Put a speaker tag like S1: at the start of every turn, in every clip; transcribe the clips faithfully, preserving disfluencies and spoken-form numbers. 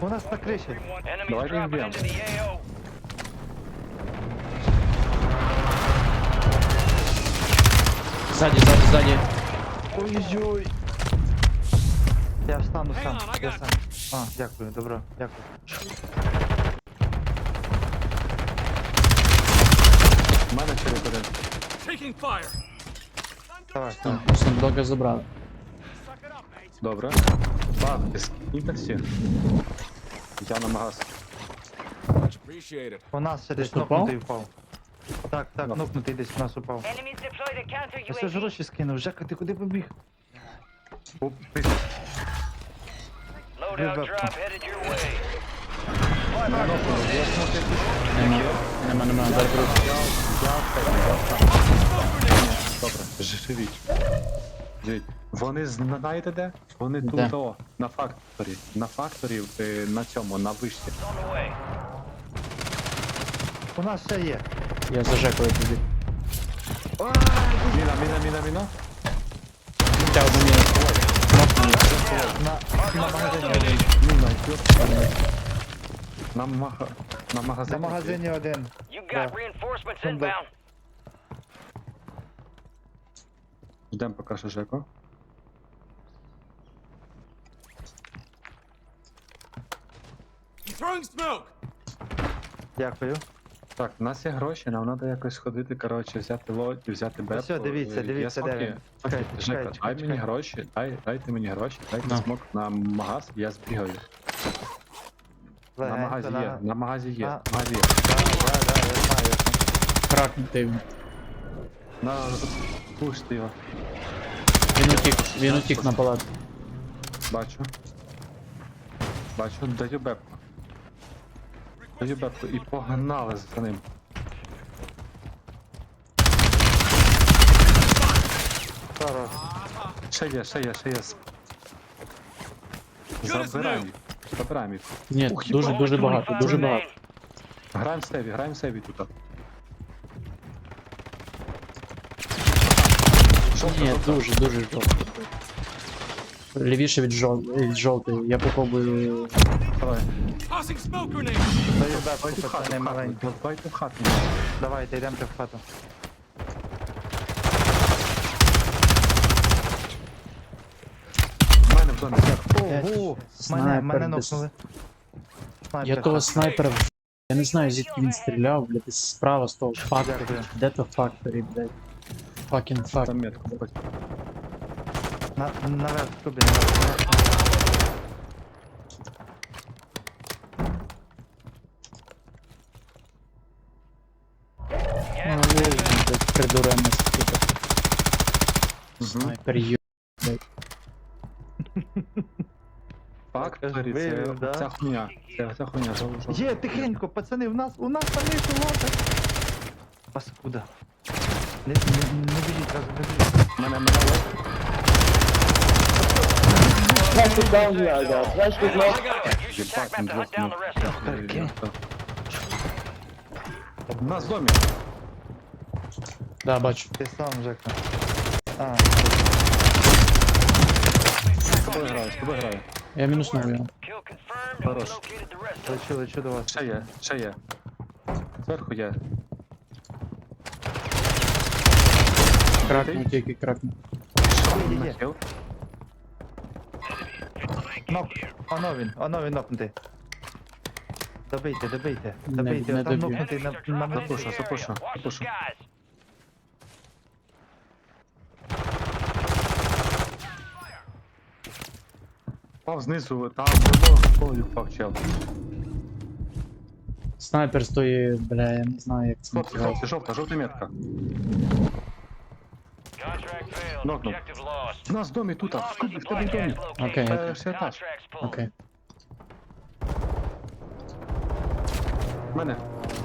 S1: У нас на криші.
S2: Enemies
S3: Давайте
S2: dropping
S3: вб'ємо.
S2: into the A O.
S4: Ззаді, ззаді, ззаді.
S1: Ой-ой-ой. Я встану
S5: Hang
S1: сам.
S5: on, I
S1: Я
S5: got
S1: сам. А, дякую, добро, дякую.
S3: У мене через один.
S5: Taking fire.
S1: Давай,
S4: А,
S1: давай.
S4: сундуки забрали.
S3: Добре. Бах, ти скиньте всі. Я на магаз.
S5: Much appreciated.
S1: У нас ще десь
S4: Просто впав?
S1: нокнутий впав. Так, так,
S3: Да.
S1: нокнутий десь у нас упав.
S2: Enemies deployed a counter
S1: Я все ж
S2: U A V.
S1: гроші скинув. Жека, ти куди побіг?
S3: Оп, ти-
S2: Loadout
S1: Ребята.
S2: drop headed your way.
S4: Нема, нема, нема, дай друг.
S3: Добре, живіть. Живіть. Вони знаєте де? Вони
S4: Де?
S3: тут, о, на факторі. На факторі, е, на цьому, на вишці.
S2: It's on the way.
S1: У нас ще є.
S4: Я зажекую тобі.
S3: Міна, міна, міна, міна.
S4: Тя одну міну.
S1: На, на магазині один.
S3: Міна, йоп. На мага... На
S1: На
S3: магазині.
S1: магазині один.
S2: You got
S1: Да.
S2: reinforcements
S1: Там
S2: inbound.
S3: Ждем поки що Жеко.
S5: I'm throwing smoke.
S1: Дякую.
S3: Так, у нас є гроші, нам треба якось сходити, коротше, взяти лодь, взяти бепку.
S1: все, дивіться,
S3: Е,
S1: дивіться,
S3: є
S1: де
S3: смоки?
S1: він.
S3: Окей,
S1: Чекайте,
S3: Жека,
S1: чекайте,
S3: дай мені
S1: чекайте.
S3: гроші, дай, дайте мені гроші, дайте
S4: На.
S3: смок на магаз, я збігаю. На
S1: Легенько,
S3: магазі є, на магазі є,
S1: На-
S3: на магазі є.
S1: Да, да, да, я знаю.
S4: Кракнутий він.
S3: На, пушти його,
S4: Він утік, він утік на палат.
S3: бачу. Бачу, даю бепку. Даю бепку і погнали за ним.
S1: Хорош.
S3: Ще є, ще є, ще є. Забираємо їх, забираємо їх.
S4: Ні,
S3: Ух,
S4: дуже,
S3: їбать,
S4: дуже
S3: ой,
S4: багато,
S2: Five
S4: дуже
S2: remain.
S4: багато.
S3: Граємо в сейві, граємо в сейві тут. Жовта,
S4: Ні,
S3: жовта.
S4: дуже, дуже жовтий. Лівіше від, жов... від жовтої. Я попробую.
S3: Давай.
S5: Tossing smoke grenade.
S1: Даю бабку,
S3: Давайте в хату,
S1: пацани
S3: в хату,
S1: маленькі.
S3: давайте в хату.
S1: Давайте, йдемте в хату.
S3: У мене в домі.
S1: Ого, мене,
S4: Снайпер
S1: мене
S4: десь.
S1: нокнули.
S4: Я
S1: Снайпер.
S4: того снайпера в... Я не знаю, звідки він стріляв, блядь, десь справа з того факторі.
S1: Дякую.
S4: Де то факторі, блядь? Fucking fuck.
S3: Там метку. хоч.
S1: На, наверх, Кубі, наверх.
S4: Ну, блядь, придурений сука. Снайпер ю...
S3: Факторі, це
S1: Вивів, да?
S3: ця хуйня. Це ця хуйня, жовта. жовта.
S1: Є, тихенько, пацани, в нас, у нас там є лота. Паскуда. Не, не, не біжіть, разом не біжіть.
S3: Мене, мене лоб.
S6: Flash is down here, I got. Flash is low.
S2: Use your tac map to hunt down the rest of them.
S1: Окей.
S3: У нас в домі.
S4: Да, бачу.
S1: Ти сам, Жека. А,
S3: З тобою граю, з тобою граю.
S4: Я мінуснув його.
S2: Kill confirmed. and we
S3: Хорош.
S2: located the rest of them.
S1: лечу, лечу до вас.
S3: Ще є, ще є. Зверху є.
S4: Кракнув, тільки кракнув.
S1: Є, є.
S3: Нахил.
S1: Нок. Оно він, оно він нокнутий. Добийте, добийте,
S4: Не-
S1: добийте,
S4: не
S1: там
S4: доб'ю.
S1: нокнутий на,
S2: Enemies are
S1: на
S2: dropping
S1: мене.
S2: into
S3: Запушу,
S2: the
S3: запушу,
S2: area. Watch the
S3: запушу.
S2: skies.
S3: Впав знизу, там було, коли впав чел.
S4: Снайпер стоїть, бля, я не знаю, як це
S3: Хлопці,
S4: називається.
S3: хлопці, жовта, жовта метка.
S2: Contract failed.
S3: Нокнув.
S2: Objective lost.
S3: У нас в домі тут, а в
S2: Bomb
S3: Скубі,
S2: is
S3: в тебе в
S2: supply
S3: домі.
S2: gas located.
S4: Окей, окей.
S3: Перший етаж.
S2: Contracts pulled.
S4: Окей.
S3: В мене.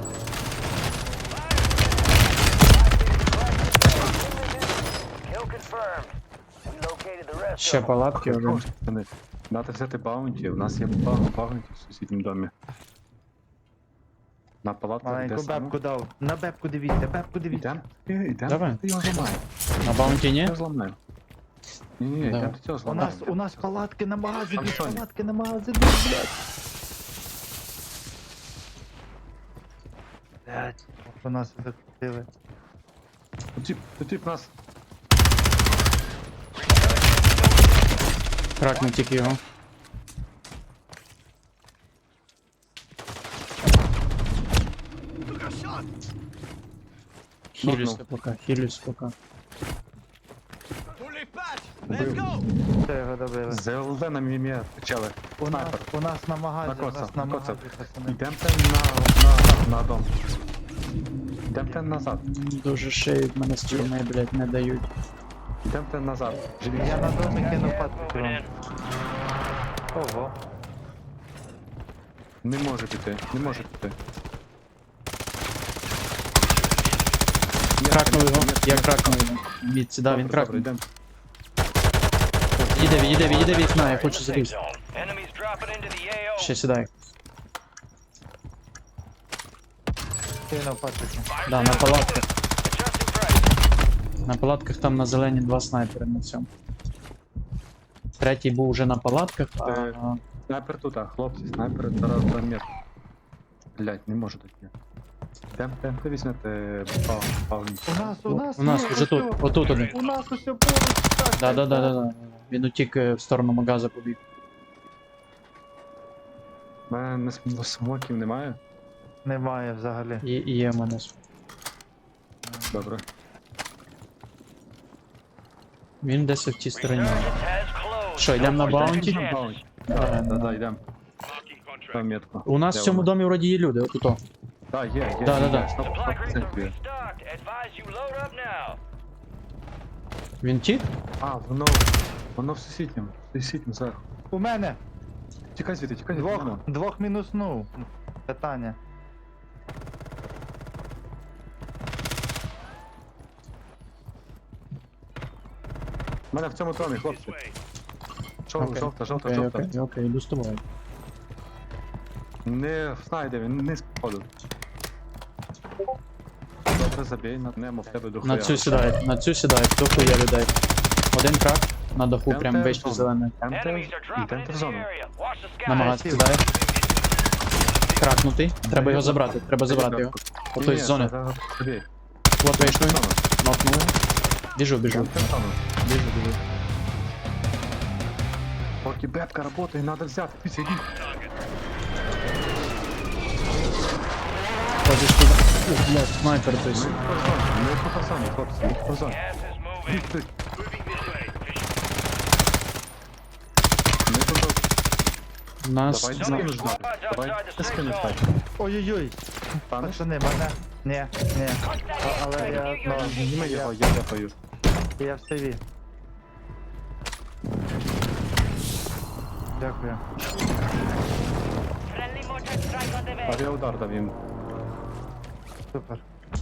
S2: Kill confirmed. We located the rest
S4: Ще
S2: of them.
S4: палатки один.
S3: Хорош, пацани. Надо взяти баунті, у нас є ба- баунті в сусідньому домі. На палатку де
S1: Маленьку
S3: саме?
S1: бебку дав. На бебку дивіться, бебку дивіться.
S3: Ідем? Е, Ідем?
S4: Давай.
S3: Ти його зламаєш.
S4: На баунті ні?
S3: Я його зламаю. Ні, ні,
S4: Давай.
S3: йдем до цього
S1: У
S3: зламаємо.
S1: нас, у нас палатки на магазині,
S3: Там що?
S1: палатки на магазині, блядь. Блять, по нас закрутили.
S3: Тут тип, тут тип нас.
S4: Кракнув тільки його. Хілюсь пока, хілюсь пока.
S1: Все, його добили.
S3: З ЛД на мімі почали.
S1: У нас,
S3: Снайпер.
S1: у нас на магазі, у
S3: Накоцав,
S1: нас на
S3: накоцав.
S1: магазі, пацани.
S3: Йдемте на, на, на дом. Йдемте назад.
S4: Дуже шиють мене з тюрми, блядь, не дають.
S3: Йдемте назад. Живіть.
S1: Я на домі кину патку
S2: Moving
S1: вам.
S2: in.
S1: Ого.
S3: Не може піти, не може піти.
S4: Кракнув його, я кракнув його. Мід, да, він кракнув.
S3: Йдемо.
S4: Їде, їде, їде вікна, я хочу
S2: Safe
S4: залізти.
S2: zone. Enemies dropping into the A O.
S4: Ще сідай.
S1: Кинув патку.
S4: Да, на палатках.
S2: Adjusting price.
S4: На палатках там на зелені два снайпери на цьому. Третій був уже на палатках, а
S3: Е. Снайпер тут, а хлопці, снайпер зараз два метри. Блять, не може таке. Йдемте, йдемте візьмете пав, павні.
S1: У нас, у нас,
S4: у нас
S1: є,
S4: уже тут,
S1: усьо.
S4: отут один.
S1: У нас усе поруч. так,
S4: Да, да,
S1: так,
S4: да,
S1: так.
S4: да, да. Він утік е, в сторону магаза побіг.
S3: У мене не см- смоків немає.
S1: Немає взагалі.
S4: І, і є в мене.
S3: Добре.
S4: Він десь в тій стороні.
S2: Resurgence has closed.
S4: Що, йдемо на
S2: No more
S4: баунті?
S2: second chances.
S3: Да, да, да, йдемо. Там метку.
S4: У нас
S3: Де
S4: в цьому
S3: вона?
S4: домі вроді є люди, отуто.
S3: Да, є, є.
S4: Да, да,
S3: є,
S4: да.
S3: сто-
S2: Supply
S3: сто
S2: crates are
S3: процентів є.
S2: restocked. Advise you load up now.
S4: Він тік?
S3: А, воно, воно в сусідньому, в сусідньому зверху.
S1: У мене.
S3: Тікай звідти, тікай звідти.
S1: Двох,
S3: Димон.
S1: двох мінуснув. Питання.
S3: У мене в цьому домі, хлопці. Жовта,
S4: Окей.
S3: жовта, жовта,
S4: Окей,
S3: жовта.
S4: окей, окей, йду з тобою.
S3: Не знайде він, не сходу. Добре, забій, натнемо в тебе до
S4: На цю сідають, на цю сідають, до хуя людей. Один крак, на даху
S3: Йдемте
S4: прям
S3: в
S4: вийшли
S3: зону.
S4: зелений.
S2: Enemies are
S3: Йдемте,
S2: dropping
S3: йдемте
S2: into
S3: в
S2: the
S3: зону.
S2: area. Watch the
S4: На
S2: skies.
S4: магаз сідає. Кракнутий. Треба його забрати, треба забрати його. Ото із зони.
S3: Забій.
S4: От вийшли. Нокнули. Біжу, біжу.
S3: Йдемте в зону.
S4: Біжу, біжу.
S3: Поки бетка работає, надо взяти. Піться, йди.
S4: Ходиш туди. Ух, блядь, снайпер той.
S3: Ми
S4: с-
S3: по зоні, ми по зоні, хлопці, ми по зоні.
S2: Gas is moving.
S3: Йдіть, йдіть.
S2: Moving this way.
S3: Ми по зоні.
S4: Нас.
S3: Давай,
S4: зна-
S3: скинеш знати. Давай, ти скинеш знати.
S1: Ой-ой-ой.
S3: Паниш?
S1: Пацани, мене. Ні, ні. А- Але я, ну,
S3: Зніми
S1: я,
S3: його, я дефаю.
S1: я в сейві. Дякую.
S2: Friendly mortar strike on the way.
S3: Авіаудар дав їм.
S1: Супер.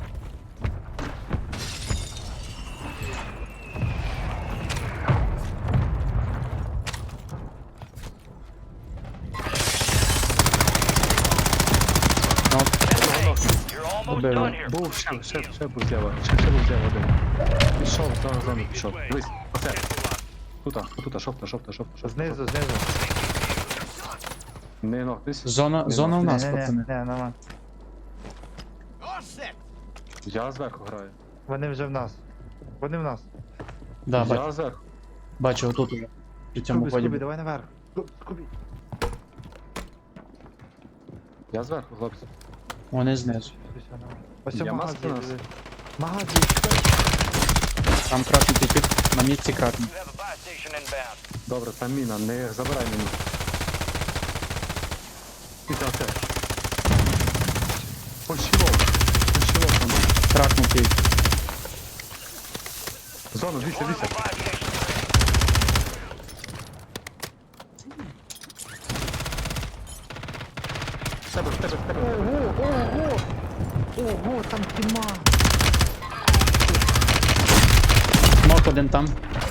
S4: Нок.
S2: You're almost
S4: Убили.
S2: done here.
S3: Був ще, ще, ще був зліва, ще, ще був зліва один. Пішов, за зону пішов. Дивись, оце. Тута, тута, шовта, шовта, шовта, шовта.
S1: Знизу, знизу.
S3: Не ногтись.
S4: Зона,
S3: Не
S4: зона у
S3: ногтись.
S4: нас,
S1: Ні, ні,
S4: пацани.
S1: ні, нема.
S3: Я зверху граю.
S1: Вони вже в нас. Вони в нас.
S4: Да, бачу,
S3: Я зверху.
S4: бачу, отут уже. При цьому
S1: Скубі, Скубі,
S4: ході.
S1: давай наверх. Скубі, Скубі.
S3: Я зверху, хлопці.
S4: Вони знизу.
S1: Все, нормально. Ось
S3: Я
S1: у магаз
S3: маски
S1: є,
S3: нас.
S1: диви. Магаз є.
S4: Там кракнутий тип, на місці кракнув.
S2: You have a buy station inbound.
S3: Добре, там міна, не забирай міну. Піти оце. Пощілок. Пощілок там.
S4: Кракнутий.
S3: Зону, дивіться,
S2: Deploying
S3: дивіться.
S2: the buy station.
S3: В тебе, в тебе, в тебе.
S1: Ого, ого. Ого, там тіма.
S4: Нок один там.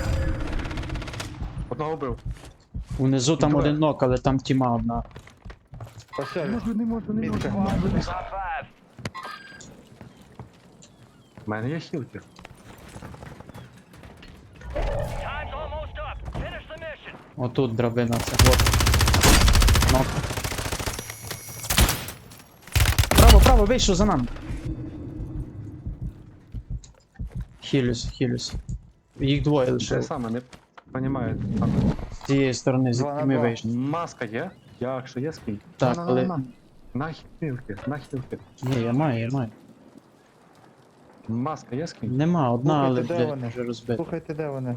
S3: Одного вбив.
S4: Унизу там
S3: Давай.
S4: один нок, але там тіма одна.
S1: Ось
S3: Не
S1: він.
S3: можу, не можу, не
S1: Мітка.
S3: можу.
S2: Top five.
S3: У мене є хілки.
S2: Time's almost up. Finish the mission.
S4: Отут драбина, це вот. Нок. Право, право, вийшов за нами. Хілюсь, хілюсь. Їх двоє
S3: Те
S4: лише.
S3: саме, не понімаю. Саме.
S4: З цієї сторони,
S1: Два на
S4: звідки ми
S1: два.
S4: вийшли.
S3: Маска є? Якщо є скинь.
S4: Так,
S3: На, на,
S4: але-
S3: на, на. На хілки, на хілки.
S4: Ні, я маю, я маю.
S3: Маска є скинь?
S4: Нема, одна, але,
S1: Слухайте, де
S4: блядь,
S1: вони?
S4: вже розбита.
S1: Слухайте, де вони?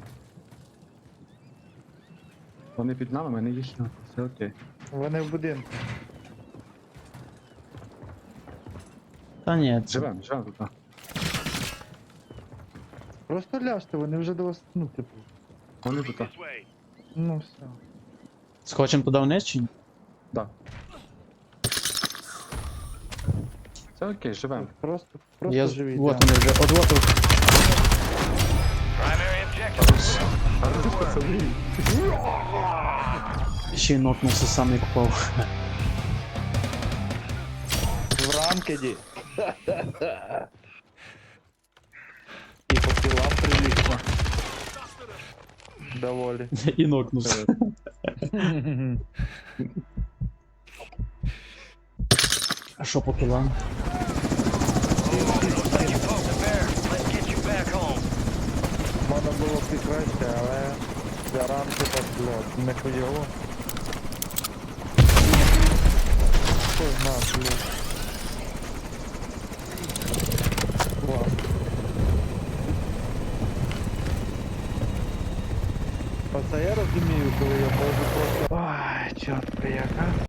S3: Вони під нами, мене є хілки. Все окей.
S1: Вони в будинку.
S4: Та ні, це...
S3: Живем, живем тут. а.
S1: Просто ляжте, вони вже до вас, ну, типу.
S3: Вони тут. а.
S1: Ну все.
S4: Схочем туди вниз чи ні?
S3: Да. Все окей, живем.
S1: Просто, просто
S4: Я... з-
S1: живіть.
S4: Вот
S1: да.
S4: вони вже, от от от.
S2: Primary objective.
S4: Ще й нокнувся, сам не купав.
S1: В ранкеді. І по кілам прилично. Доволі.
S4: І нокнувся. А що по кілам?
S2: You poked the bear. Let's get you back home.
S1: Можна було б і краще, але для ранки так, блядь, не хуйово. Хто знає, блядь. Клас. Оце я розумію, коли я можу просто... Ой, чорт, яка.